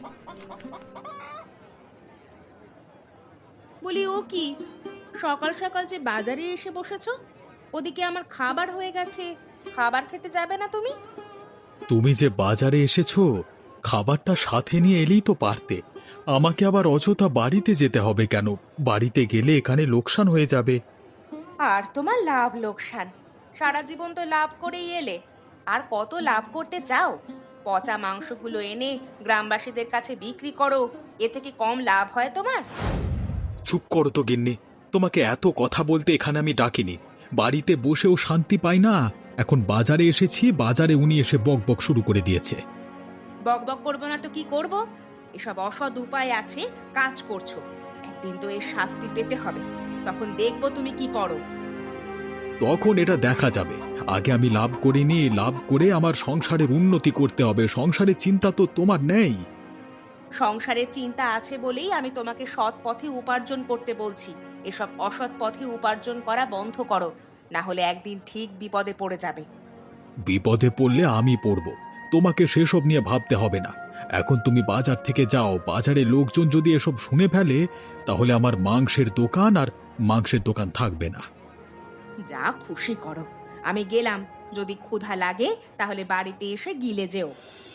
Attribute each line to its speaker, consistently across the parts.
Speaker 1: বলি, ও কি সকাল সকাল যে বাজারে এসে বসেছো? ওদিকে আমার খাবার হয়ে গেছে, খাবার খেতে যাবে না তুমি?
Speaker 2: তুমি যে বাজারে এসেছো, খাবারটা সাথে নিয়ে এলেই তো পারতে। আমাকে আবার অযথা বাড়িতে যেতে হবে কেন? বাড়িতে গেলে এখানে লোকসান হয়ে যাবে।
Speaker 1: আর তোমার লাভ লোকসান, সারা জীবন তো লাভ করেই এলে, আর কত লাভ করতে চাও? পচা মাংসগুলো এনে গ্রামবাসীদের কাছে বিক্রি করো, এতে কি কম লাভ হয় তোমার?
Speaker 2: চুপ করো তো গিন্নি। তোমাকে এত কথা বলতে এখানে আমি ডাকিনি। বাড়িতে বসেও শান্তি পাই না। এখন বাজারে এসেছি, বাজারে উনি এসে বক বক শুরু করে দিয়েছে।
Speaker 1: বক বক করবো না তো কি করব? এসব অসৎ উপায় আছে, কাজ করছো, একদিন তো এর শাস্তি পেতে হবে, তখন দেখবো তুমি কি করো।
Speaker 2: তখন এটা দেখা যাবে। আগে আমি লাভ করিনি, লাভ করে আমার সংসারের উন্নতি করতে হবে। সংসারের চিন্তা তো তোমার নেই।
Speaker 1: সংসারের চিন্তা আছে বলেই আমি তোমাকে সৎ পথে উপার্জন করতে বলছি। এসব অসৎ পথে উপার্জন করা বন্ধ করো, না হলে একদিন ঠিক বিপদে পড়ে যাবে।
Speaker 2: বিপদে পড়লে আমি পড়ব, তোমাকে সেসব নিয়ে ভাবতে হবে না। এখন তুমি বাজার থেকে যাও। বাজারে লোকজন যদি এসব শুনে ফেলে, তাহলে আমার মাংসের দোকান থাকবে না।
Speaker 1: যা খুশি করো, আমি গেলাম। যদি ক্ষুধা লাগে তাহলে বাড়িতে এসে গিলে যেও।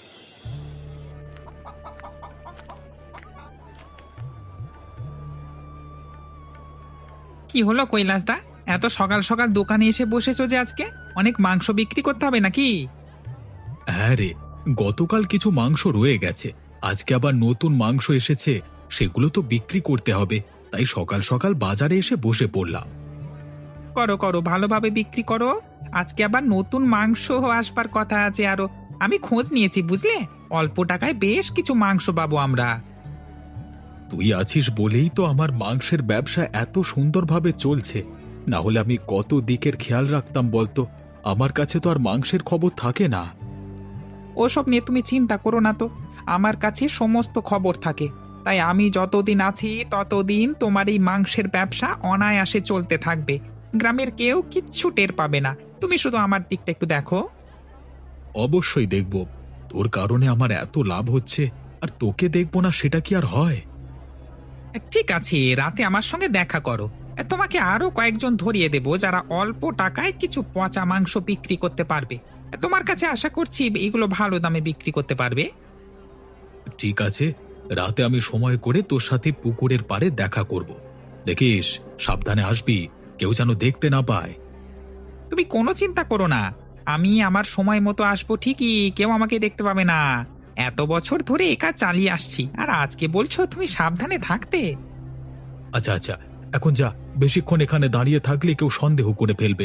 Speaker 3: কি হলো কৈলাসদা? এত সকাল সকাল দোকানে এসে বসেছো যে আজকে? অনেক মাংস বিক্রি করতে হবে নাকি?
Speaker 2: হ্যাঁ রে, গতকাল কিছু মাংস রয়ে গেছে। আজকে আবার নতুন মাংস এসেছে, সেগুলো তো বিক্রি করতে হবে। তাই সকাল সকাল বাজারে এসে বসে পড়লাম।
Speaker 3: করো করো, ভালোভাবে বিক্রি করো। আজকে আবার নতুন মাংস আসবার কথা আছে আরো। আমি খোঁজ নিয়েছি বুঝলে, অল্প টাকায় বেশ কিছু মাংস পাবো আমরা।
Speaker 2: তুই আছিস বলেই তো আমার মাংসের ব্যবসা এত সুন্দরভাবে চলছে। না হলে আমি কত দিকের খেয়াল রাখতাম বলতো। আমার কাছে তো আর মাংসের খবর থাকে না।
Speaker 3: ওসব নিয়ে তুমি চিন্তা করো না তো, আমার কাছে সমস্ত খবর থাকে। তাই আমি যতদিন আছি ততদিন তোমার এই মাংসের ব্যবসা অনায়াসে চলতে থাকবে। গ্রামের কেউ কিচ্ছু টের পাবে না। তুমি শুধু আমার দিকটা একটু দেখো।
Speaker 2: অবশ্যই দেখব। তোর কারণে আমার এত লাভ হচ্ছে, আর তোকে দেখব না সেটা কি আর হয়?
Speaker 3: ঠিক আছে, রাতে আমার সঙ্গে দেখা করো। তোমাকে আরো কয়েকজন ধরিয়ে দেব যারা অল্প টাকায় কিছু পচা মাংস বিক্রি করতে পারবে। তোমার কাছে আশা করছি এগুলো ভালো দামে বিক্রি করতে পারবে।
Speaker 2: ঠিক আছে, রাতে আমি সময় করে তোর সাথে পুকুরের পাড়ে দেখা করব। দেখিস, সাবধানে আসবি, কেউ যেন দেখতে না পায়।
Speaker 3: তুমি কোনো চিন্তা করো না, আমি আমার সময় মতো আসবো ঠিকই, কেউ আমাকে দেখতে পাবে না। এত বছর ধরে এ কাজ চালিয়ে আসছি, আর আজকে বলছো তুমি সাবধানে থাকতে।
Speaker 2: আচ্ছা আচ্ছা, এখন যা। বেশিক্ষণ এখানে দাঁড়িয়ে থাকলে কেউ সন্দেহ করে ফেলবে।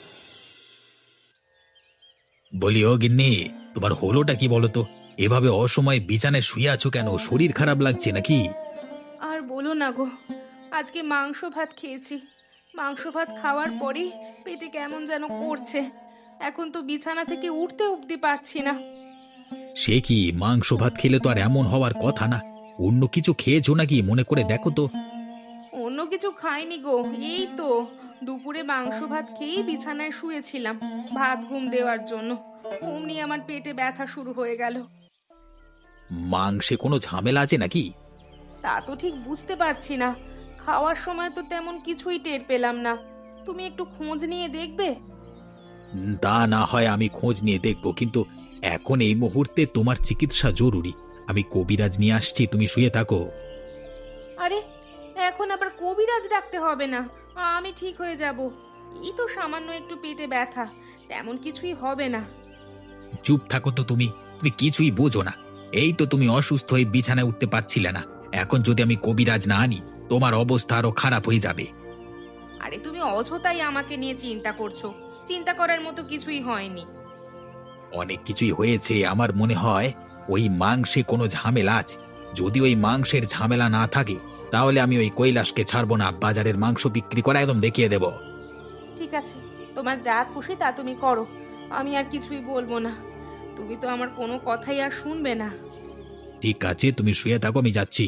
Speaker 2: বলি, ও গিন্নি, তোমার হলোটা কি বলো তো? এভাবে অসময়ে বিছানায় শুয়ে আছো কেন? শরীর খারাপ লাগছে নাকি?
Speaker 1: আর বলো না গো, আজকে মাংস ভাত খেয়েছি। মাংস ভাত খাওয়ার পরেই পেটে কেমন যেন করছে। এখন তো বিছানা থেকে উঠতে উঠতে পারছি না।
Speaker 2: সে কি, মাংস ভাত খেলে তো আর এমন হওয়ার কথা না। অন্য কিছু খেয়েছো নাকি? মনে করে দেখো তো।
Speaker 1: অন্য কিছু খাইনি গো, এই তো দুপুরে মাংস ভাত খেয়েই বিছানায় শুয়েছিলাম ভাত ঘুম দেওয়ার জন্য। অমনি আমার পেটে ব্যথা শুরু হয়ে গেল।
Speaker 2: মাংসে কোনো ঝামেলা আছে নাকি?
Speaker 1: তা তো ঠিক বুঝতে পারছি না, খাওয়ার সময় তো তেমন কিছুই টের পেলাম না। তুমি একটু খোঁজ নিয়ে দেখবে?
Speaker 2: তা না হয় আমি খোঁজ নিয়ে দেখব, কিন্তু এখন এই মুহূর্তে তোমার চিকিৎসা জরুরি। আমি কবিরাজ নিয়ে আসছি, তুমি শুয়ে থাকো।
Speaker 1: আরে, এখন আবার কবিরাজ ডাকতে হবে না, আমি ঠিক হয়ে যাব। এই তো সামান্য একটু পেটে ব্যথা, তেমন কিছুই হবে না।
Speaker 2: চুপ থাকো তো তুমি। তুমি কিছুই বোঝো না। এই তো তুমি অসুস্থ হয়ে বিছানায় উঠতে পারছিলে না। এখন যদি আমি কবিরাজ না আনি, তোমার অবস্থা আরো খারাপ হয়ে যাবে।
Speaker 1: আরে তুমি অযথাই আমাকে নিয়ে চিন্তা করছো, চিন্তা করার মতো কিছুই হয়নি।
Speaker 2: অনেক কিছুই হয়েছে। আমার মনে হয় ওই মাংসে কোনো ঝামেলা আছে। যদি ওই মাংসের ঝামেলা না থাকে, তাহলে আমি ওই কৈলাসকে ছাড়বো না। বাজারের মাংস বিক্রি করা একদম দেখিয়ে দেব।
Speaker 1: ঠিক আছে, তোমার যা খুশি তা তুমি করো, আমি আর কিছুই বলবো না। তুমি তো আমার কোনো কথাই আর শুনবে না।
Speaker 2: ঠিক আছে, তুমি শুয়ে থাকো, আমি যাচ্ছি।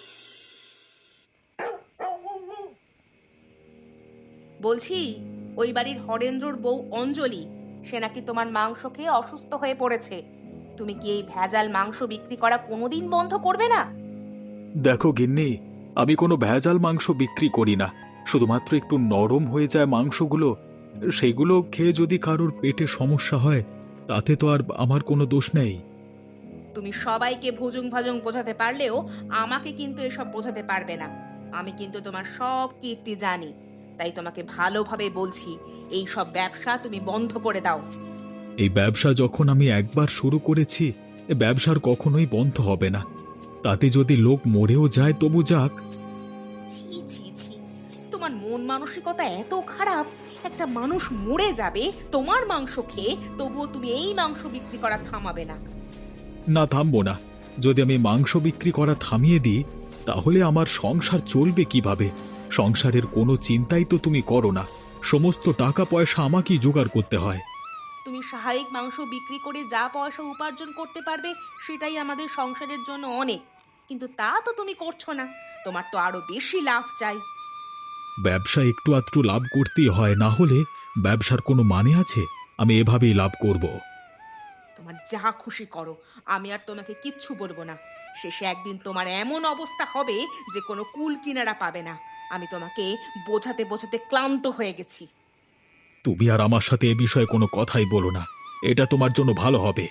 Speaker 1: বলছি, ওই বাড়ির হরেন্দ্রর বউ অঞ্জলি, সে নাকি তোমার মাংস খেয়ে অসুস্থ হয়ে পড়েছে। তুমি কি এই ভেজাল মাংস বিক্রি করা কোনোদিন বন্ধ করবে না?
Speaker 2: দেখো গিন্নি, আমি কোনো ভেজাল মাংস বিক্রি করি না। শুধুমাত্র একটু নরম হয়ে যায় মাংসগুলো, সেইগুলো খেয়ে যদি কারোর পেটে সমস্যা হয় তাতে তো আর আমার কোনো দোষ নেই।
Speaker 1: তুমি সবাইকে ভুজুং ভাজুং বোঝাতে পারলেও আমাকে কিন্তু এসব বোঝাতে পারবে না। আমি কিন্তু তোমার সব কীর্তি জানি, তাই তোমাকে ভালোভাবে বলছি, এই সব ব্যবসা তুমি বন্ধ করে দাও।
Speaker 2: এই ব্যবসা যখন আমি একবার শুরু করেছি, এ ব্যবসার কখনোই বন্ধ হবে না। তাতে যদি লোক মরেও যায় তবু যাক।
Speaker 1: ছি ছি ছি, তোমার মন মানসিকতা এত খারাপ, একটা মানুষ মরে যাবে তোমার মাংস খেয়ে, তবুও তুমি এই মাংস বিক্রি করা থামাবে না।
Speaker 2: না, থামবো না। যদি আমি মাংস বিক্রি করা থামিয়ে দিই তাহলে আমার সংসার চলবে কিভাবে? সংসারের কোনো চিন্তাই তো তুমি করো না, সমস্ত টাকা পয়সা আমাকেই জোগাড় করতে হয়।
Speaker 1: তুমি স্বাভাবিক মাংস বিক্রি করে যা পয়সা উপার্জন করতে পারবে সেটাই আমাদের সংসারের জন্য অনেক, কিন্তু তা তো তুমি করছো না। তোমার তো আরো বেশি লাভ চাই।
Speaker 2: ব্যবসা একটু আধটু লাভ করতেই হয়, না হলে ব্যবসার কোনো মানে আছে? আমি এভাবেই লাভ করব।
Speaker 1: তোমার যা খুশি করো, আমি আর তোমাকে কিচ্ছু বলবো না। শেষে একদিন তোমার এমন অবস্থা হবে যে কোনো কুল কিনারা পাবে না। আমি তোমাকে বোঝাতে বোঝাতে ক্লান্ত হয়ে গেছি।
Speaker 2: তুমি আর আমার সাথে এ বিষয়ে কোনো কথাই বলো না, এটা তোমার জন্য ভালো হবে।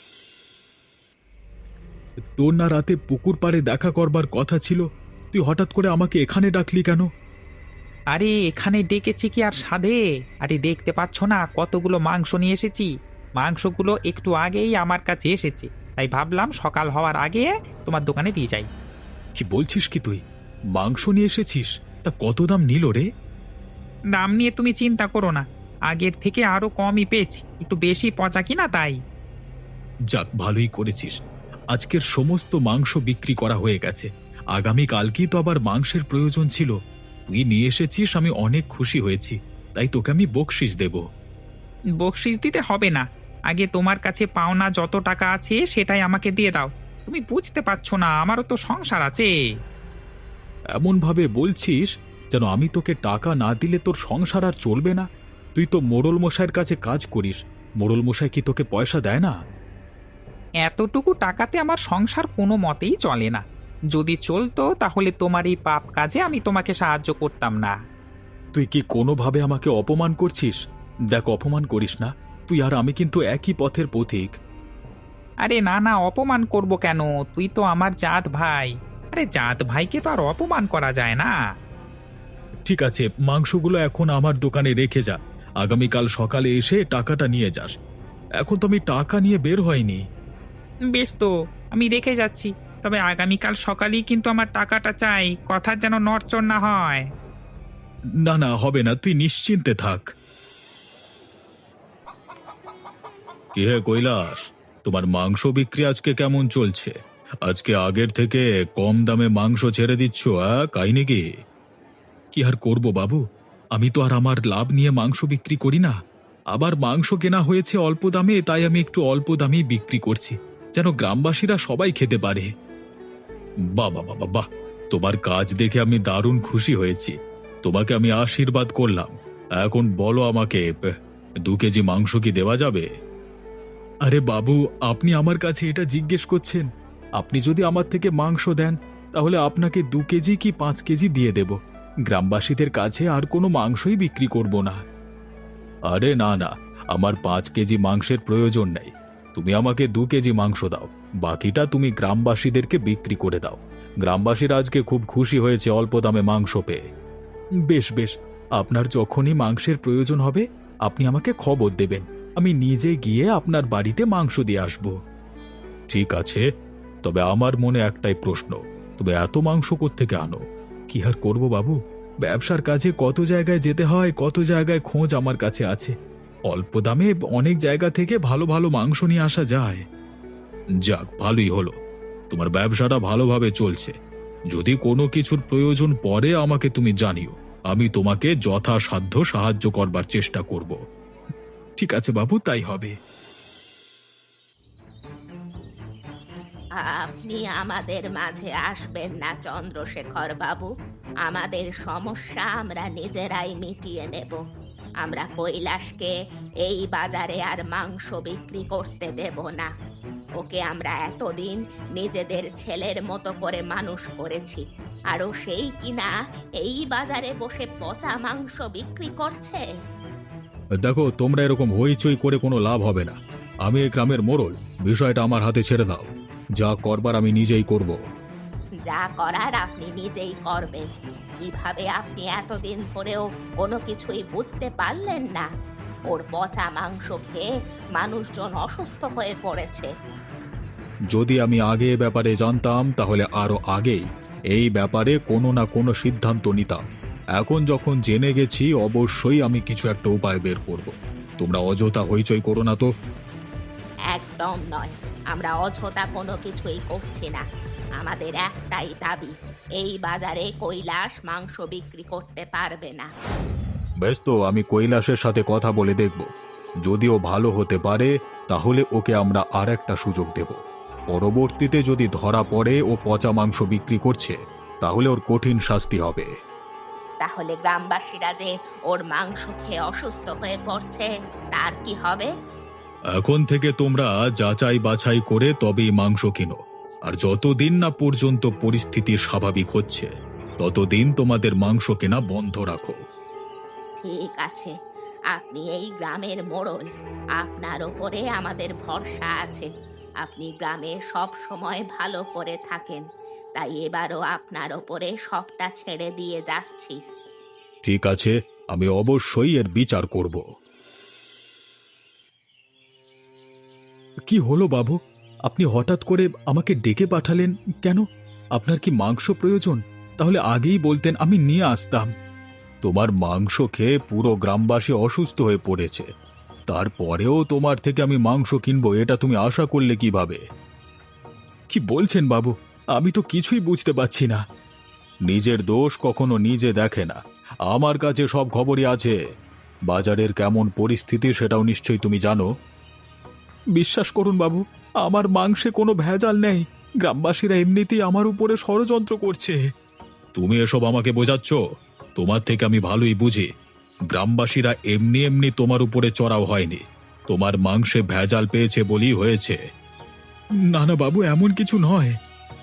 Speaker 2: তোর না রাতে পুকুর পাড়ে দেখা করবার কথা ছিল, তুই হঠাৎ করে আমাকে এখানে ডাকলি কেন?
Speaker 3: আরে এখানে ডেকেছি কি আর সাধে? আরে দেখতে পাচ্ছ না কতগুলো মাংস নিয়ে এসেছি। মাংসগুলো একটু আগেই আমার কাছে এসেছে, তাই ভাবলাম সকাল হওয়ার আগে তোমার দোকানে দিয়ে যাই।
Speaker 2: কি বলছিস কি তুই? মাংস নিয়ে এসেছিস? তা কত দাম নিল রে?
Speaker 3: দাম নিয়ে তুমি চিন্তা করো না, আগের থেকে আরো কমই পেয়েছি, একটু বেশি পচা কিনা তাই।
Speaker 2: যাক, ভালোই করেছিস। আজকের সমস্ত মাংস বিক্রি করা হয়ে গেছে, আগামীকালকেই তো আবার মাংসের প্রয়োজন ছিল। তুই নিয়ে এসেছিস, আমি অনেক খুশি হয়েছি, তাই তোকে আমি বকশিস দেব।
Speaker 3: বকশিস দিতে হবে না, আগে তোমার কাছে পাওনা যত টাকা আছে সেটাই আমাকে দিয়ে দাও। তুমি বুঝতে পারছো না, আমারও তো সংসার আছে।
Speaker 2: এমন ভাবে বলছিস যেন আমি তোকে টাকা না দিলে তোর সংসার আর চলবে না। তুই তো মোড়ল মশাইয়ের কাছে কাজ করিস, মোড়ল মশাই কি তোকে পয়সা দেয় না?
Speaker 3: এতটুকু টাকাতে আমার সংসার কোনো মতেই চলে না। যদি চলতো তাহলে তোমার এই পাপ কাজে আমি তোমাকে সাহায্য করতাম না।
Speaker 2: তুই কি কোনোভাবে আমাকে অপমান করছিস? দেখ, অপমান করিস না। তুই আর আমি কিন্তু একই পথের পথিক।
Speaker 3: আরে না না, অপমান করব কেন? তুই তো আমার জাত ভাই। আরে জাত ভাইকে তো আর অপমান করা যায় না।
Speaker 2: ঠিক আছে, মাংসগুলো এখন আমার দোকানে রেখে যা, আগামীকাল সকালে এসে টাকাটা নিয়ে যাস। এখন তো আমি টাকা নিয়ে বের হয়নি।
Speaker 3: বেশ, তো আমি রেখে যাচ্ছি, তবে আগামীকাল সকালেই কিন্তু আমার টাকাটা চাই, কথার যেন নড়চড় না হয়।
Speaker 2: না না, হবে না, তুই নিশ্চিন্তে থাক। কি হে কৈলাস, তোমার মাংস বিক্রি আজকে কেমন চলছে? আজকে আগের থেকে কম দামে মাংস ছেড়ে দিচ্ছ, কাহিনী কি? কি আর করব বাবু, আমি তো আর আমার লাভ নিয়ে মাংস বিক্রি করি না। আবার মাংস কেনা হয়েছে অল্প দামে, তাই আমি একটু অল্প দামেই বিক্রি করছি, যেন গ্রামবাসীরা সবাই খেতে পারে। বাহ বাহ বাহ বাহ, তোমার কাজ দেখে আমি দারুণ খুশি হয়েছি। তোমাকে আমি আশীর্বাদ করলাম। এখন বলো আমাকে, 2 কেজি মাংস কি দেওয়া যাবে? আরে বাবু, আপনি আমার কাছে এটা জিজ্ঞেস করছেন? আপনি যদি আমার থেকে মাংস দেন তাহলে আপনাকে 2 কেজি কি 5 কেজি দিয়ে দেব। গ্রামবাসীদের কাছে আর কোনো মাংসই বিক্রি করব না। আরে না না, আমার 5 কেজি মাংসের প্রয়োজন নেই। তুমি আমাকে 2 কেজি মাংস দাও, বাকিটা তুমি গ্রামবাসীদেরকে বিক্রি করে দাও। গ্রামবাসীরা আজকে খুব খুশি হয়েছে অল্প দামে মাংস পেয়ে। বেশ বেশ, আপনার যখনই মাংসের প্রয়োজন হবে আপনি আমাকে খবর দেবেন, আমি নিজে গিয়ে আপনার বাড়িতে মাংস দিয়ে আসব। ঠিক আছে, তবে আমার মনে একটাই প্রশ্ন, তবে এত মাংস কোত্থেকে আনো? কি আর করব বাবু, ব্যবসার কাজে কত জায়গায় যেতে হয়, কত জায়গায় খোঁজ আমার কাছে আছে। অল্প দামে অনেক জায়গা থেকে ভালো ভালো মাংস নিয়ে আসা যায়। যাক, ভালোই হলো, তোমার ব্যবসাটা ভালোভাবে চলছে। যদি কোনো কিছুর প্রয়োজন পড়ে আমাকে তুমি জানিও, আমি তোমাকে যথাসাধ্য সাহায্য করবার চেষ্টা করব। ঠিক আছে বাবু, তাই হবে।
Speaker 1: আপনি আমাদের মাঝে আসবেন না চন্দ্রশেখর বাবু, আমাদের সমস্যা আমরা নিজেরাই মিটিয়ে নেব। আমরা কৈলাসকে এই বাজারে আর মাংস বিক্রি করতে দেব না। ওকে আমরা এতদিন নিজেদের ছেলের মতো করে মানুষ করেছি, আরও সেই কিনা এই বাজারে বসে পচা মাংস বিক্রি করছে।
Speaker 2: দেখো, তোমরা এরকম হইচই করে কোনো লাভ হবে না। আমি এই গ্রামের মোড়ল, বিষয়টা আমার হাতে ছেড়ে দাও। যা করবার আমি নিজেই করব।
Speaker 1: যা করার আপনি নিজেই করবেন। কিভাবে আপনি এতদিন ধরেও কোনো কিছুই বুঝতে পারলেন না? ওর পচা মাংস খেয়ে মানুষজন অসুস্থ হয়ে পড়েছে।
Speaker 2: যদি আমি আগে এ ব্যাপারে জানতাম তাহলে আরো আগেই এই ব্যাপারে কোনো না কোনো সিদ্ধান্ত নিতাম। এখন যখন জেনে গেছি, অবশ্যই আমি কিছু একটা উপায় বের করব। তোমরা অযথা হইচই করো না তো।
Speaker 1: একদম নয়, আমরা অযথা কোনো কিছুই করছি না। আমাদের একটাই দাবি, এই বাজারে কৈলাস মাংস বিক্রি করতে পারবে না।
Speaker 2: বেশ, তো আমি কৈলাসের সাথে কথা বলে দেখব। যদিও ভালো হতে পারে, তাহলে ওকে আমরা আর একটা সুযোগ দেব। পরবর্তীতে যদি ধরা পড়ে ও পচা মাংস বিক্রি করছে, তাহলে ওর কঠিন শাস্তি হবে।
Speaker 1: তাহলে গ্রামবাসীরা যে ওর মাংস খেয়ে অসুস্থ হয়ে পড়ছে, তার কি হবে?
Speaker 2: এখন থেকে তোমরা যাচাই বাছাই করে তবেই মাংস কিনো। আর যতদিন না পর্যন্ত পরিস্থিতি স্বাভাবিক হচ্ছে, ততদিন তোমাদের মাংস কেনা বন্ধ রাখো।
Speaker 1: ঠিক আছে, আপনি এই গ্রামের মোড়ল, আপনার ওপরে আমাদের ভরসা আছে। আপনি গ্রামে সব সময় ভালো করে থাকেন, তাই এবারও আপনার ওপরে সবটা ছেড়ে দিয়ে যাচ্ছি।
Speaker 2: ঠিক আছে, আমি অবশ্যই এর বিচার করব। কি হলো বাবু? আপনি হঠাৎ করে আমাকে ডেকে পাঠালেন কেন? আপনার কি মাংস প্রয়োজন? তাহলে আগেই বলতেন, আমি নিয়ে আসতাম। তোমার মাংস খেয়ে পুরো গ্রামবাসী অসুস্থ হয়ে পড়েছে, তারপরেও তোমার থেকে আমি মাংস কিনবো, এটা তুমি আশা করলে কিভাবে? কি বলছেন বাবু? আমি তো কিছুই বুঝতে পারছি না। নিজের দোষ কখনো নিজে দেখে না। আমার কাছে সব খবরই আছে। বাজারের কেমন পরিস্থিতি সেটাও নিশ্চয়ই তুমি জানো। বিশ্বাস করুন বাবু, আমার মাংসে কোনো ভেজাল নেই। গ্রামবাসীরা এমনিতেই আমার উপরে ষড়যন্ত্র করছে। তুমি এসব আমাকে বোঝাচ্ছ? তোমার থেকে আমি ভালোই বুঝি। গ্রামবাসীরা এমনি এমনি তোমার উপরে চড়াও হয়নি। তোমার মাংসে ভেজাল পেয়েছে বলেই হয়েছে। না না বাবু, এমন কিছু নয়।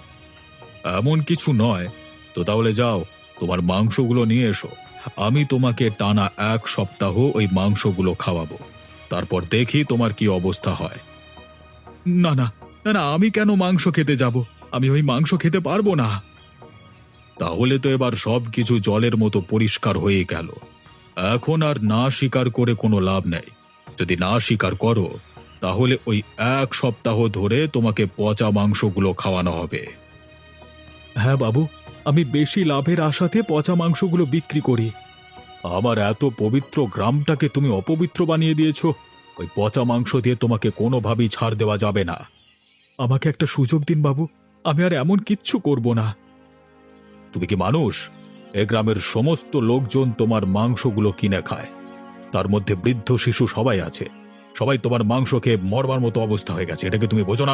Speaker 2: এমন কিছু নয় তো তাহলে যাও, তোমার মাংসগুলো নিয়ে এসো। আমি তোমাকে টানা 1 সপ্তাহ ওই মাংসগুলো খাওয়াবো, তারপর দেখি তোমার কি অবস্থা হয়। না না, না না, আমি কেন মাংস খেতে যাব? আমি ওই মাংস খেতে পারবো না। তাহলে তো এবার সবকিছু জলের মতো পরিষ্কার হয়ে গেল। এখন আর না স্বীকার করে কোনো লাভ নেই। যদি না স্বীকার করো, তাহলে ওই 1 সপ্তাহ ধরে তোমাকে পচা মাংসগুলো খাওয়ানো হবে। হ্যাঁ বাবু, আমি বেশি লাভের আশাতে পচা মাংসগুলো বিক্রি করি। আমার এত পবিত্র গ্রামটাকে তুমি অপবিত্র বানিয়ে দিয়েছ। ওই পচা মাংস দিয়ে তোমাকে কোনোভাবেই ছাড় দেওয়া যাবে না। আমাকে একটা সুযোগ দিন বাবু, আমি আর এমন কিচ্ছু করব না। তুমি কি মানুষ? এ গ্রামের সমস্ত লোকজন তোমার মাংসগুলো কিনে খায়, তার মধ্যে বৃদ্ধ শিশু সবাই আছে। সবাই তোমার মাংস খেয়ে মরবার মতো অবস্থা হয়ে গেছে, এটাকে তুমি বোঝো না?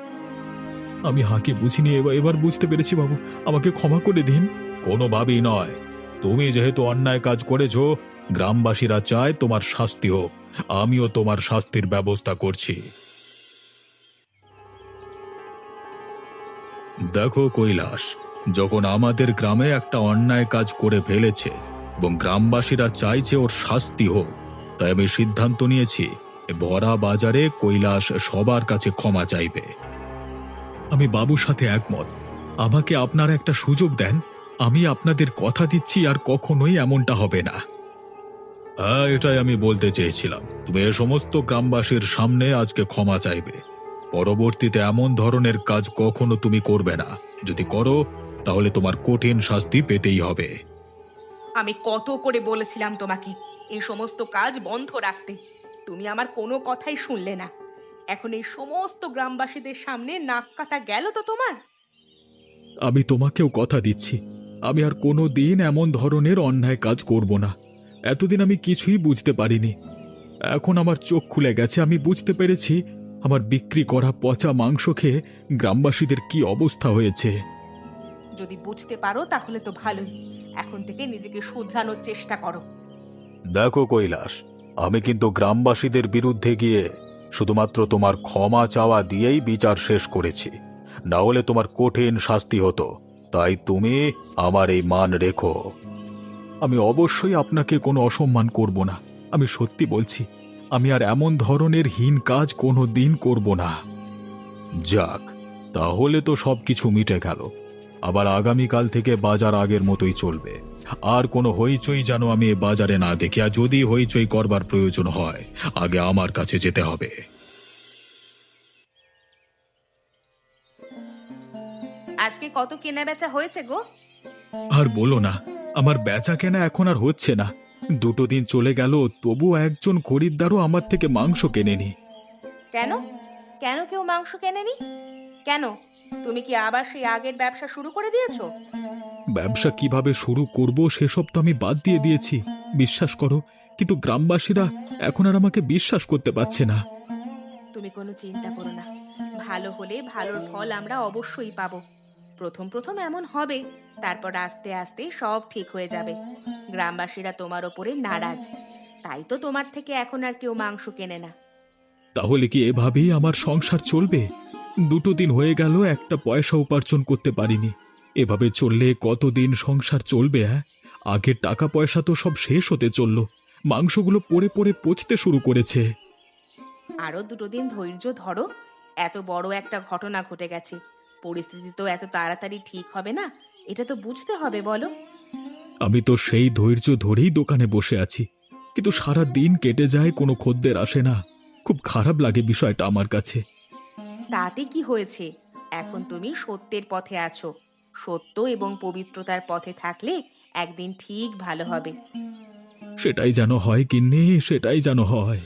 Speaker 2: আমি হাঁকে বুঝিনি, এবার বুঝতে পেরেছি বাবু, আমাকে ক্ষমা করে দিন। কোনোভাবেই নয়। তুমি যেহেতু অন্যায় কাজ করেছো, গ্রামবাসীরা চায় তোমার শাস্তি হোক। আমিও তোমার শাস্তির ব্যবস্থা করছি। দেখো কৈলাস, যখন আমাদের গ্রামে একটা অন্যায় কাজ করে ফেলেছে এবং গ্রামবাসীরা চাইছে ওর শাস্তি হোক, তাই আমি সিদ্ধান্ত নিয়েছি এ ভরা বাজারে কৈলাস সবার কাছে ক্ষমা চাইবে। আমি বাবুর সাথে একমত। আমাকে আপনারা একটা সুযোগ দেন, আমি আপনাদের কথা দিচ্ছি আর কখনোই এমনটা হবে না। হ্যাঁ, এটাই আমি বলতে চেয়েছিলাম। তুমি এ সমস্ত গ্রামবাসীর সামনে আজকে ক্ষমা চাইবে। পরবর্তীতে এমন ধরনের কাজ কখনো তুমি করবে না। যদি করো, তাহলে তোমার কঠিন শাস্তি পেতেই হবে।
Speaker 1: আমি কত করে বলেছিলাম তোমাকে এই সমস্ত কাজ বন্ধ রাখতে, তুমি আমার কোনো কথাই শুনলে না। এখন এই সমস্ত গ্রামবাসীদের সামনে নাক কাটা গেল তো তোমার।
Speaker 2: আমি তোমাকেও কথা দিচ্ছি, আমি আর কোনো দিন এমন ধরনের অন্যায় কাজ করব না। এতদিন আমি কিছুই বুঝতে পারিনি, এখন আমার চোখ খুলে গেছে। আমি বুঝতে পেরেছি আমার বিক্রি করা পচা মাংস খেয়ে গ্রামবাসীদের কি অবস্থা হয়েছে।
Speaker 1: যদি বুঝতে পারো তাহলে তো ভালোই। এখন থেকে নিজেকে শুধরানোর চেষ্টা করো।
Speaker 2: দেখো কৈলাস, আমি কিন্তু গ্রামবাসীদের বিরুদ্ধে গিয়ে শুধুমাত্র তোমার ক্ষমা চাওয়া দিয়েই বিচার শেষ করেছি, না হলে তোমার কঠিন শাস্তি হতো। তাই তুমি আমার এই মান রেখো। আমি অবশ্যই আপনাকে কোনো অসম্মান করব না। আমি সত্যি বলছি, আমি আর এমন ধরনের হীন কাজ কোনো দিন করব না। যাক, তাহলে তো সবকিছু মিটে গেল। আবার আগামীকাল থেকে বাজার আগের মতোই চলবে। আর কোনো হইচই যেন আমি এ বাজারে না দেখি, আর যদি হইচই করবার প্রয়োজন হয় আগে আমার কাছে যেতে হবে।
Speaker 1: আজকে কত কেনা বেচা হয়েছে গো?
Speaker 2: আর বলো না, আমার বেচা কেনা এখন আর হচ্ছে না। দুটো দিন চলে গেল, তবু একজন খরিদ্দারও আমার থেকে মাংস কেনেনি।
Speaker 1: কেন? কেন কেউ মাংস কেনেনি? কেন? তুমি কি আবার সেই আগের ব্যবসা শুরু করে দিয়েছো?
Speaker 2: ব্যবসা কিভাবে শুরু করব সেসব তো আমি বাদ দিয়ে দিয়েছি, বিশ্বাস করো। কিন্তু গ্রামবাসীরা এখন আর আমাকে বিশ্বাস করতে পারছে না।
Speaker 1: তুমি কোনো চিন্তা করো না, ভালো হলে ভালোর ফল আমরা অবশ্যই পাবো। প্রথম প্রথম এমন হবে, তারপর আস্তে আস্তে সব ঠিক হয়ে যাবে। গ্রামবাসীরা তোমার ওপরে নারাজ, তাই তো তোমার থেকে এখন আর কেউ মাংস কেনে না।
Speaker 2: তাহলে কি এভাবেই আমার সংসার চলবে? দুটো দিন হয়ে গেল, একটা পয়সা উপার্জন করতে পারিনি। এভাবে চললে কতদিন সংসার চলবে? হ্যাঁ, আগের টাকা পয়সা তো সব শেষ হতে চলল, মাংসগুলো পড়ে পড়ে পচতে শুরু করেছে।
Speaker 1: আরো দুটো দিন ধৈর্য ধরো। এত বড় একটা ঘটনা ঘটে গেছে, পরিস্থিতি তো এত তাড়াতাড়ি ঠিক হবে না, এটা তো বুঝতে হবে বলো।
Speaker 2: আমি তো সেই ধৈর্য ধরেই দোকানে বসে আছি, কিন্তু সারা দিন কেটে যায়, কোনো খদ্দের আসে না। খুব খারাপ লাগে বিষয়টা আমার কাছে।
Speaker 1: তাতে কি হয়েছে? এখন তুমি সত্যের পথে আছো। সত্য এবং পবিত্রতার পথে থাকলে একদিন ঠিক ভালো হবে।
Speaker 2: সেটাই যেন হয় গিন্নি, সেটাই যেন হয়।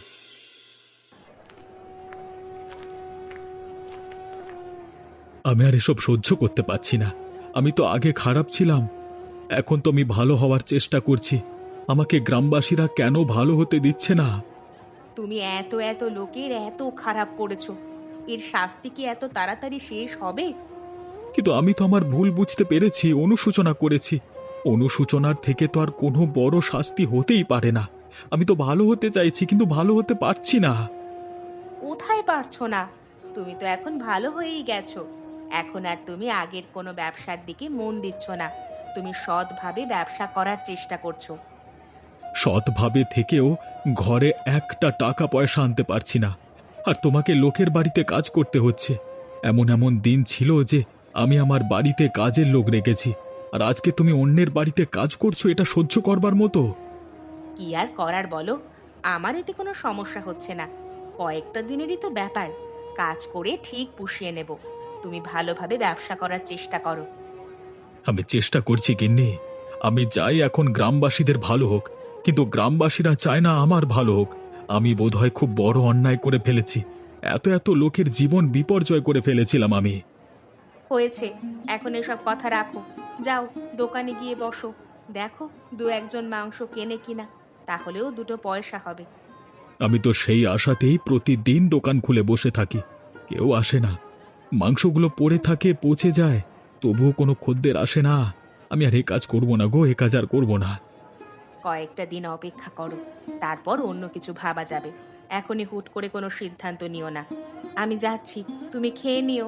Speaker 2: আমি আর এসব সহ্য করতে পারছি না। আমি তো আগে খারাপ ছিলাম, এখন তো আমি ভালো হওয়ার চেষ্টা করছি। আমাকে গ্রামবাসীরা কেন ভালো হতে দিচ্ছে না?
Speaker 1: তুমি এত এত লোকের এত খারাপ করেছো, এর শাস্তি কি এত তাড়াতাড়ি শেষ হবে?
Speaker 2: কিন্তু আমি তো আমার ভুল বুঝতে পেরেছি, অনুশোচনা করেছি। অনুশোচনার থেকে তো আর কোনো বড় শাস্তি হতেই পারে না। আমি তো ভালো হতে চাইছি, কিন্তু ভালো হতে পারছি না।
Speaker 1: কোথায় পারছো না? তুমি তো এখন ভালো হয়েই গেছো। এখন আর তুমি আগের কোনো ব্যবসার দিকে মন দিচ্ছ না, তুমি সৎভাবে ব্যবসা করার চেষ্টা করছো।
Speaker 2: সৎভাবে থেকেও ঘরে একটা টাকা পয়সা আনতে পারছি না, আর তোমাকে লোকের বাড়িতে কাজ করতে হচ্ছে। এমন এমন দিন ছিল যে আমি আমার বাড়িতে কাজের লোক রেখেছি, আর আজকে তুমি অন্যের বাড়িতে কাজ করছো, এটা সহ্য করবার মতো?
Speaker 1: কি আর করার বলো, আমার এতে কোনো সমস্যা হচ্ছে না। কয়েকটা দিনেরই তো ব্যাপার, কাজ করে ঠিক পুষিয়ে নেব। তুমি ভালোভাবে ব্যবসা করার চেষ্টা করো।
Speaker 2: আমি চেষ্টা করছি গিন্নি। আমি চাই এখন গ্রামবাসীদের ভালো হোক, কিন্তু গ্রামবাসীরা চায় না আমার ভালো হোক। আমি বোধহয় খুব বড় অন্যায় করে ফেলেছি। এত এত লোকের জীবন বিপর্যয় করে ফেলেছিলাম আমি।
Speaker 1: হয়েছে, এখন এসব কথা রাখো। যাও, দোকানে গিয়ে বসো, দেখো দু একজন মাংস কেনে কিনা, তাহলেও দুটো পয়সা হবে।
Speaker 2: আমি তো সেই আশাতেই প্রতিদিন দোকান খুলে বসে থাকি, কেউ আসে না। মাংসগুলো পড়ে থাকে, পচে যায়, তবুও কোনো খদ্দের আসে না। আমি আর এ কাজ করব না গো, এ কাজ আর করব না।
Speaker 1: কয়েকটা দিন অপেক্ষা করো, তারপর অন্য কিছু ভাবা যাবে। এখনই হুট করে কোনো সিদ্ধান্ত নিও না। আমি যাচ্ছি, তুমি খেয়ে নিও।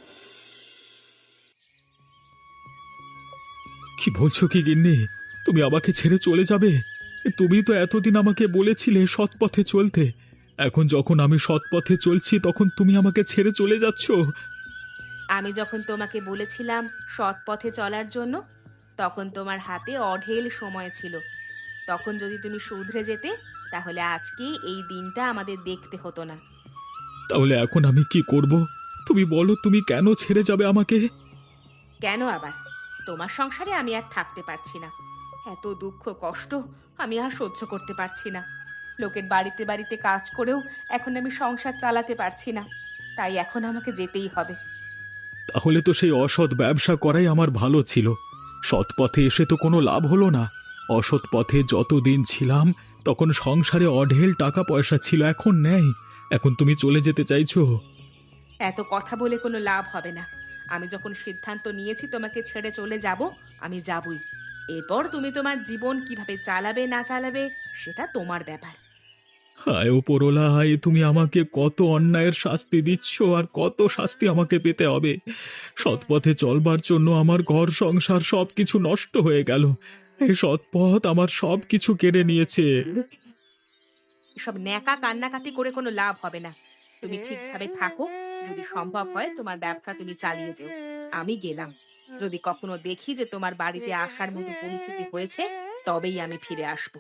Speaker 2: কি বলছো কি গিন্নি? তুমি আমাকে ছেড়ে চলে যাবে? তুমি তো এতদিন আমাকে বলেছিলে সৎ পথে চলতে, এখন যখন আমি সৎ পথে চলছি তখন তুমি আমাকে ছেড়ে চলে যাচ্ছ?
Speaker 1: আমি যখন তোমাকে বলেছিলাম সৎ পথে চলার জন্য, তখন তোমার হাতে অঢেল সময় ছিল। তখন যদি তুমি শুধরে যেতে, তাহলে আজকে এই দিনটা আমাদের দেখতে হতো না।
Speaker 2: তাহলে এখন আমি কি করব? তুমি বলো, তুমি কেন ছেড়ে যাবে আমাকে?
Speaker 1: কেন আবার? তোমার সংসারে আমি আর থাকতে পারছি না। এত দুঃখ কষ্ট আমি আর সহ্য করতে পারছি না। লোকের বাড়িতে বাড়িতে কাজ করেও এখন আমি সংসার চালাতে পারছি না, তাই এখন আমাকে যেতেই হবে।
Speaker 2: তাহলে তো সেই অসৎ ব্যবসা করাই আমার ভালো ছিল। সৎ পথে এসে তো কোনো লাভ হলো না। অসৎ পথে যতদিন ছিলাম তখন সংসারে অঢেল টাকা পয়সা ছিল, এখন নেই। এখন তুমি চলে যেতে চাইছো?
Speaker 1: এত কথা বলে কোনো লাভ হবে না। আমি যখন সিদ্ধান্ত নিয়েছি তোমাকে ছেড়ে চলে যাব, আমি যাবই। এরপর তুমি তোমার জীবন কিভাবে চালাবে না চালাবে সেটা তোমার ব্যাপার।
Speaker 2: হায় ওপরওয়ালা, হায় তুমি আমাকে কত অন্যায়ের শাস্তি দিচ্ছ আর কত শাস্তি আমাকে পেতে হবে। সৎপথে চলবার জন্য আমার ঘর সংসার সবকিছু নষ্ট হয়ে গেল। এই সৎপথ আমার সবকিছু কেড়ে নিয়েছে।
Speaker 1: এসব ন্যাকা কান্নাকাটি করে কোনো লাভ হবে না। তুমি ঠিকভাবে থাকো। যদি সম্ভব হয় তোমার ব্যবসা তুমি চালিয়ে যেও। আমি গেলাম। যদি কখনো দেখি যে তোমার বাড়িতে আসার মতো পরিস্থিতি হয়েছে, তবেই আমি ফিরে আসবো।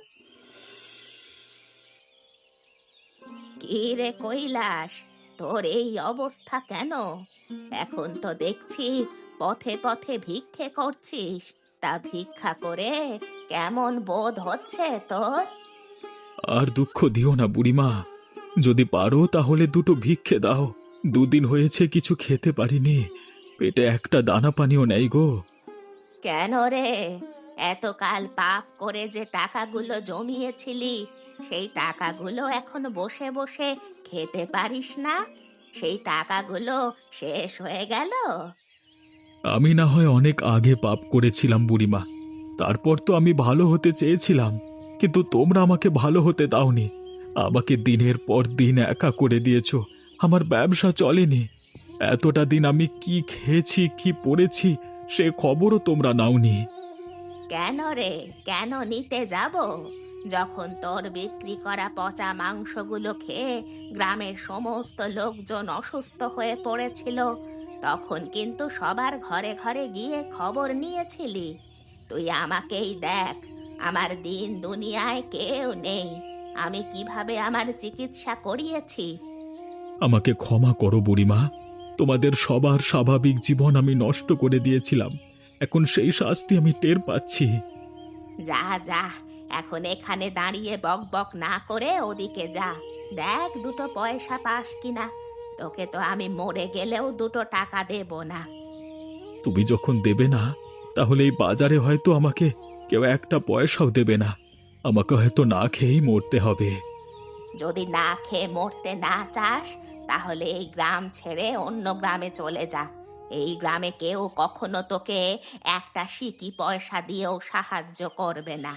Speaker 1: কি রে কৈলাস, তোর এই অবস্থা কেন? এখন তো দেখছি পথে পথে ভিক্ষে করছিস। তা ভিক্ষা করে কেমন বোধ হচ্ছে তোর?
Speaker 2: আর দুঃখ দিও না বুড়িমা, যদি পারো তাহলে দুটো ভিক্ষে দাও। দুদিন হয়েছে কিছু খেতে পারিনি, পেটে একটা দানা পানিও নেই গো।
Speaker 1: কেন রে? এতকাল পাপ করে যে টাকাগুলো জমিয়েছিলি, সেই টাকাগুলো এখন বসে বসে খেতে পারিস না? সেই টাকাগুলো শেষ হয়ে গেল?
Speaker 2: আমি না হয় অনেক আগে পাপ করেছিলাম বুড়িমা, তারপর তো আমি ভালো হতে চেয়েছিলাম, কিন্তু তোমরা আমাকে ভালো হতে দাওনি। আমাকে দিনের পর দিন একা করে দিয়েছো। আমার ব্যবসা চলেনি। এতটা দিন আমি কি খেয়েছি কি পড়েছি সে খবরও তোমরা নাওনি।
Speaker 1: কেন রে, কেন নিতে যাব? যখন তোর বিক্রি করা পচা মাংসগুলো খেয়ে গ্রামের সমস্ত লোকজন অসুস্থ হয়ে পড়েছিল, তখন কিন্তু সবার ঘরে ঘরে গিয়ে খবর নিয়েছিলি। তুই আমাকেই দেখ, আমার দিন দুনিয়ায় কেউ নেই। আমি কিভাবে আমার চিকিৎসা করিয়েছি।
Speaker 2: আমাকে ক্ষমা করো বুড়িমা, তোমাদের সবার স্বাভাবিক জীবন আমি নষ্ট করে দিয়েছিলাম। এখন সেই শাস্তি আমি টের পাচ্ছি।
Speaker 1: যা যা, এখন এখানে দাঁড়িয়ে বক বক না করে ওদিকে যা। দেখ দুটো পয়সা পাস কিনা। তোকে তো আমি মরে গেলেও দুটো টাকা দেব না।
Speaker 2: তুমি যখন দেবে না, তাহলে এই বাজারে হয়তো আমাকে কেউ একটা পয়সাও দেবে না। আমাকে হয়তো না খেয়েই মরতে হবে।
Speaker 1: যদি না খেয়ে মরতে না চাস, তাহলে এই গ্রাম ছেড়ে অন্য গ্রামে চলে যা। এই গ্রামে কেউ কখনো তোকে একটা সিকি পয়সা দিয়েও সাহায্য করবে না।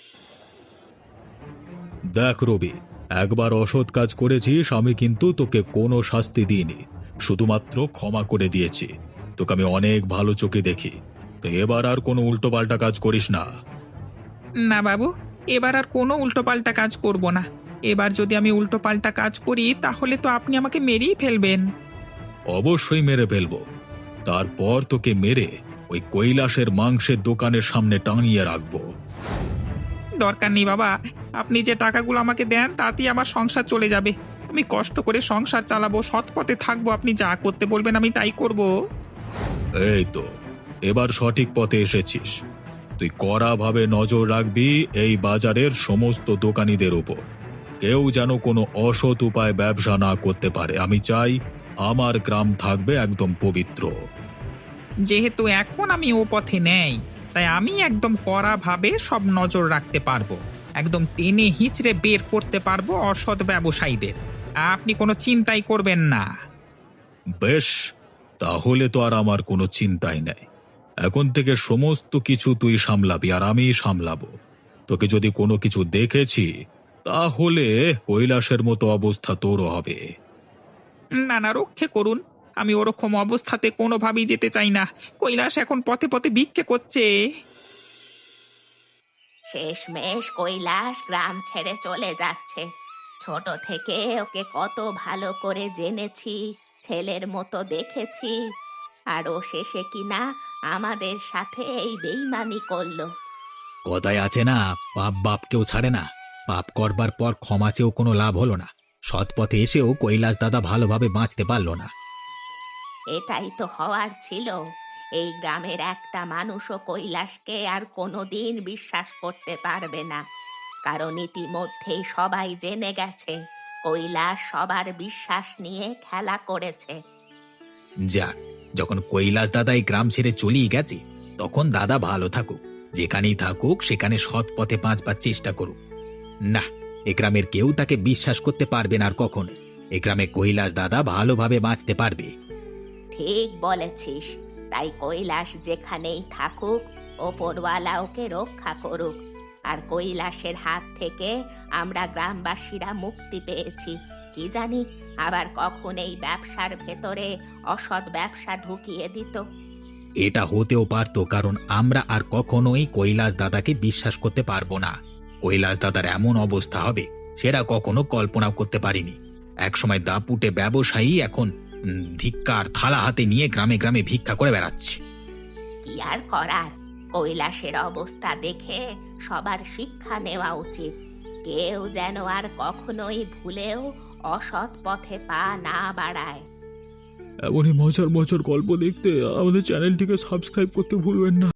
Speaker 2: দেখ রবি, একবার অসৎ কাজ করেছিস, আমি কিন্তু তোকে কোনো শাস্তি দিইনি, শুধুমাত্র ক্ষমা করে দিয়েছি। তোকে আমি অনেক ভালো চোখে দেখি। তো এবার আর কোনো উল্টোপাল্টা কাজ করিস না।
Speaker 3: না বাবু, এবার আর কোনো উল্টোপাল্টা কাজ করব না। এবার যদি আমি উল্টোপাল্টা কাজ করি তাহলে তো আপনি আমাকে মেরেই ফেলবেন।
Speaker 2: অবশ্যই মেরে ফেলবো। তারপর তোকে মেরে ওই কৈলাসের মাংসের দোকানের সামনে টাঙিয়ে রাখবো।
Speaker 3: দরকার নেই বাবা, আপনি যে টাকাগুলো আমাকে দেন তাতেই আমার সংসার চলে যাবে। আমি কষ্ট করে সংসার চালাবো, সৎ পথে থাকবো, আপনি যা করতে বলবেন আমি তাই করব।
Speaker 2: এই তো, এবার সঠিক পথে এসেছিস। তুই কড়াভাবে নজর রাখবি এই বাজারের সমস্ত দোকানীদের উপর। কেউ যেন কোনো অসৎ উপায় ব্যবসা না করতে পারে। আমি চাই আমার গ্রাম থাকবে একদম পবিত্র।
Speaker 3: যেহেতু এখন আমি ও পথে নেই, তাই আমি একদম কড়াভাবে সব নজর রাখতে পারবো। একদম টেনে হিচড়ে বের করতে পারবো অসৎ ব্যবসায়ীদের। আপনি কোনো চিন্তাই করবেন না।
Speaker 2: বেশ, তাহলে তো আর আমার কোনো চিন্তাই নেই। এখন থেকে সমস্ত কিছু তুই সামলাবি আর আমি সামলাবো। তোকে যদি কোনো কিছু দেখেছি, তাহলে কৈলাসের মতো অবস্থা তোরও হবে।
Speaker 3: না না, রক্ষে করুন। আমি ওরকম অবস্থাতে কোনোভাবেই যেতে চাই না। কৈলাস এখন পথে পথে ভিক্ষে করছে।
Speaker 1: শেষমেশ কৈলাস গ্রাম ছেড়ে চলে যাচ্ছে। ছোট থেকে ওকে কত ভালো করে জেনেছি, ছেলের মতো দেখেছি, আর ও শেষে কিনা আমাদের সাথে এই বেইমানি করলো।
Speaker 4: কথায় আছে না, পাপ বাপকেও ছাড়ে না। পাপ করবার পর ক্ষমা চেয়েও কোনো লাভ হলো না। সৎ পথে এসেও কৈলাস দাদা ভালোভাবে বাঁচতে পারলো না।
Speaker 1: এটাই তো হওয়ার ছিল। এই গ্রামের একটা মানুষও কৈলাসকে আর কোনোদিন বিশ্বাস করতে পারবে না, কারণ ইতিমধ্যেই সবাই জেনে গেছে কৈলাস সবার বিশ্বাস নিয়ে খেলা করেছে।
Speaker 4: যাক, যখন কৈলাস দাদা এই গ্রাম ছেড়ে চলেই গেছে, তখন দাদা ভালো থাকুক। যেখানেই থাকুক সেখানে সৎ পথে বাঁচবার চেষ্টা করুক। না, এ গ্রামের কেউ তাকে বিশ্বাস করতে পারবে না আর কখনো। এ গ্রামে কৈলাস দাদা ভালোভাবে বাঁচতে পারবে।
Speaker 1: ঠিক বলেছিস। তাই কৈলাস যেখানেই থাকুক, ওপরওয়ালা ওকে রক্ষা করুক। আর কৈলাসের হাত থেকে আমরা গ্রামবাসীরা মুক্তি পেয়েছি। কি জানি আবার কখন এই ব্যবসার ভেতরে অসৎ ব্যবসা ঢুকিয়ে দিত।
Speaker 4: এটা হতেও পারতো, কারণ আমরা আর কখনোই কৈলাস দাদাকে বিশ্বাস করতে পারবো না। কৈলাস দাদার এমন অবস্থা হবে সেটা কখনো কল্পনাও করতে পারিনি। একসময় দাপুটে ব্যবসায়ী এখন ধিক্কার থালা হাতে নিয়ে গ্রামে গ্রামে ভিক্ষা করে বেড়াচ্ছে।
Speaker 1: কি আর করার, কৈলাসের অবস্থা দেখে সবার শিক্ষা নেওয়া উচিত। কেউ যেন আর কখনোই ভুলেও অসৎ পথে পা না বাড়ায়।
Speaker 2: এমনই মজার মজার গল্প দেখতে আমাদের চ্যানেলটিকে সাবস্ক্রাইব করতে ভুলবেন না।